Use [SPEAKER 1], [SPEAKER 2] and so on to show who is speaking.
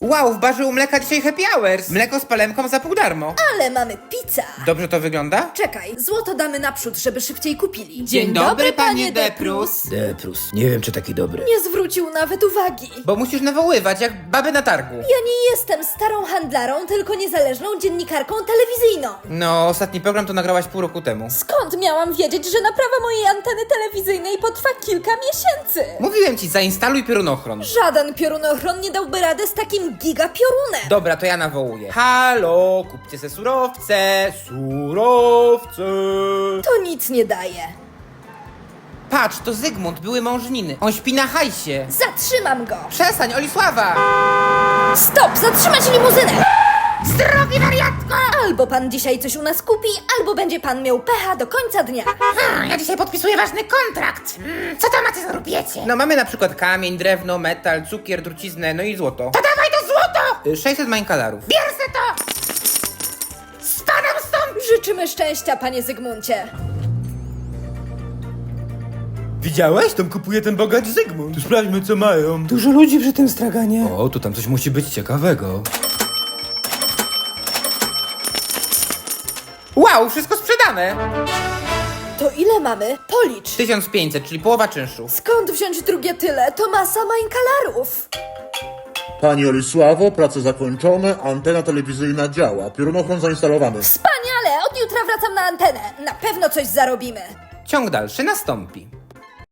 [SPEAKER 1] Wow, w barze u mleka dzisiaj happy hours. Mleko z palemką za pół darmo.
[SPEAKER 2] Ale mamy pizza.
[SPEAKER 1] Dobrze to wygląda?
[SPEAKER 2] Czekaj, złoto damy naprzód, żeby szybciej kupili.
[SPEAKER 1] Dzień dobry, panie Deprus.
[SPEAKER 3] Deprus, nie wiem czy taki dobry.
[SPEAKER 2] Nie zwrócił nawet uwagi.
[SPEAKER 1] Bo musisz nawoływać, jak baby na targu.
[SPEAKER 2] Ja nie jestem starą handlarą, tylko niezależną dziennikarką telewizyjną.
[SPEAKER 1] No, ostatni program to nagrałaś pół roku temu.
[SPEAKER 2] Skąd miałam wiedzieć, że naprawa mojej anteny telewizyjnej potrwa kilka miesięcy?
[SPEAKER 1] Mówiłem ci, zainstaluj piorunochron.
[SPEAKER 2] Żaden piorunochron nie dałby rady z takim gigapiorunem.
[SPEAKER 1] Dobra, to ja nawołuję. Halo, kupcie se surowce, surowce.
[SPEAKER 2] To nic nie daje.
[SPEAKER 1] Patrz, to Zygmunt, były mąż Niny. On śpi na hajsie.
[SPEAKER 2] Zatrzymam go.
[SPEAKER 1] Przestań, Olisława!
[SPEAKER 2] Stop, zatrzymać limuzynę.
[SPEAKER 4] Zdrowie, wariatko!
[SPEAKER 2] Albo pan dzisiaj coś u nas kupi, albo będzie pan miał pecha do końca dnia.
[SPEAKER 4] Ja dzisiaj podpisuję ważny kontrakt. Co tam macie za rupiecie?
[SPEAKER 1] No mamy na przykład kamień, drewno, metal, cukier, truciznę, no i złoto.
[SPEAKER 4] To dawaj to złoto!
[SPEAKER 1] 600 mańkalarów.
[SPEAKER 4] Bierze to! Spadam stąd!
[SPEAKER 2] Życzymy szczęścia, panie Zygmuncie.
[SPEAKER 1] Widziałeś? Tam kupuje ten bogacz Zygmunt. To sprawdźmy, co mają. Dużo ludzi przy tym straganie. O, tu tam coś musi być ciekawego. Wow, wszystko sprzedane!
[SPEAKER 2] To ile mamy? Policz.
[SPEAKER 1] 1500, czyli połowa czynszu.
[SPEAKER 2] Skąd wziąć drugie tyle? To masa mańkalarów.
[SPEAKER 5] Pani Olisławo, prace zakończone, antena telewizyjna działa, piorunochron zainstalowany.
[SPEAKER 2] Wspaniale! Od jutra wracam na antenę. Na pewno coś zarobimy.
[SPEAKER 1] Ciąg dalszy nastąpi.